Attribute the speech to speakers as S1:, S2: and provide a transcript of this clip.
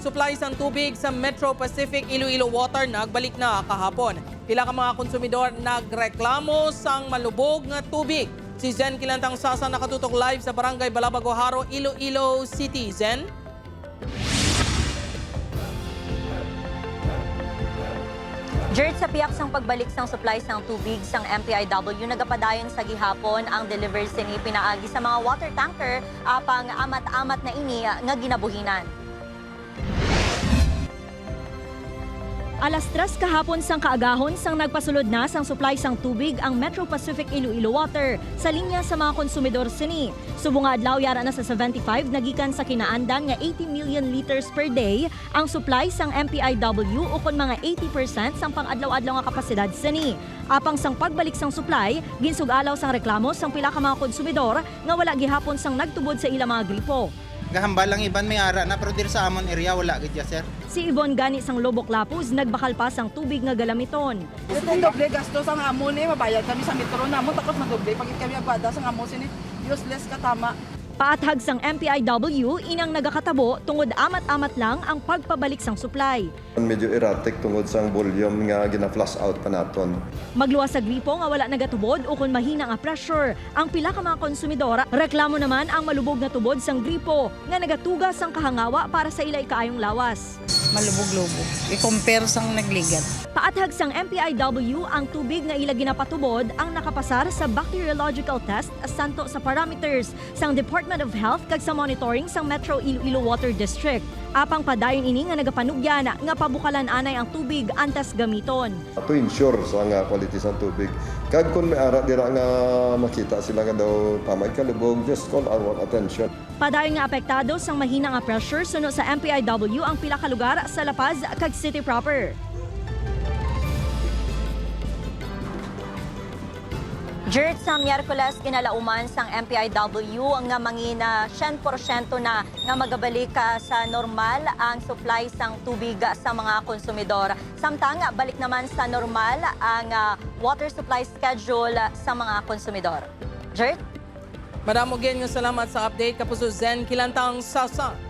S1: supply sang tubig sa Metro Pacific Iloilo Water nagbalik na kahapon. Pila ka mga konsumidor nagreklamo sang malubog nga tubig. Si Zen Kilantang Sasa nakatutok live sa Barangay Balabago Haro, Iloilo City. Zen?
S2: Dirt sa piyak sang pagbalik sang supplies ng tubig sang MPIW nagapadayon sa gihapon ang delivery sini pinaagi sa mga water tanker apang amat-amat na ini nga ginabuhinan.
S3: Alas 3 kahapon sang kaagahon sang nagpasulod na sang supply sang tubig ang Metro Pacific Iloilo Water sa linya sa mga konsumidor sini. Subong nga adlaw yara na sa 75 nagikan sa kinaandan nga 80 million liters per day ang supply sang MPIW ukon mga 80% sang pang-adlaw-adlaw nga kapasidad sini. Apang sang pagbalik sang supply, ginsugalaw sang reklamo sang pila ka mga konsumidor nga wala gihapon sang nagtubod sa ilang mga gripo.
S4: Gahambal lang iban may ara na pero dir sa amon area wala gid ya sir.
S3: Si Yvonne Gani sang Lobok Lapuz nagbakal pa sang tubig nga galamiton.
S5: Ito doble gastos ang amon mabayad kami sa metro namon tapos madoble pagit kami agwada sa amon sini useless katama.
S3: Paathag sang MPIW inang nagakatabo tungod amat-amat lang ang pagpabalik sang supply.
S6: Medyo erratic tungod sang volume nga gina-flush out pa naton.
S3: Magluwas sa gripo nga wala nagatubod o kung mahina nga pressure. Ang pila ka mga konsumidora, reklamo naman ang malubog na tubod sang gripo nga nagatugas sang kahangawa para sa ilay kaayong lawas.
S7: Malubog-lubog. I-compare sang nagligat.
S3: Paathag sang MPIW ang tubig nga ila ginapatubod ang nakapasar sa bacteriological test santo sa parameters sang Department of Health kag sa monitoring sang Metro Iloilo Water District. Apang padayon ini nga nagapanugyan nga pabukalan anay ang tubig antas gamiton.
S6: To ensure sa nga quality sang tubig. Kag kun may ara dira nga makita sila nga daw tamay kalubog, just call our attention.
S3: Padayon nga apektado sang mahina nga pressure suno sa MPIW ang pila ka lugar sa La Paz kag City proper.
S2: Dirt sa Miyerkules kinalauman sang MPIW nga mangina 100% na nga magabalik sa normal ang supply sang tubig sa mga konsumidor. Samtang balik naman sa normal ang water supply schedule sa mga konsumidor. Dirt?
S1: Madamo nga salamat sa update kapuso Zen Kilantang Sasa.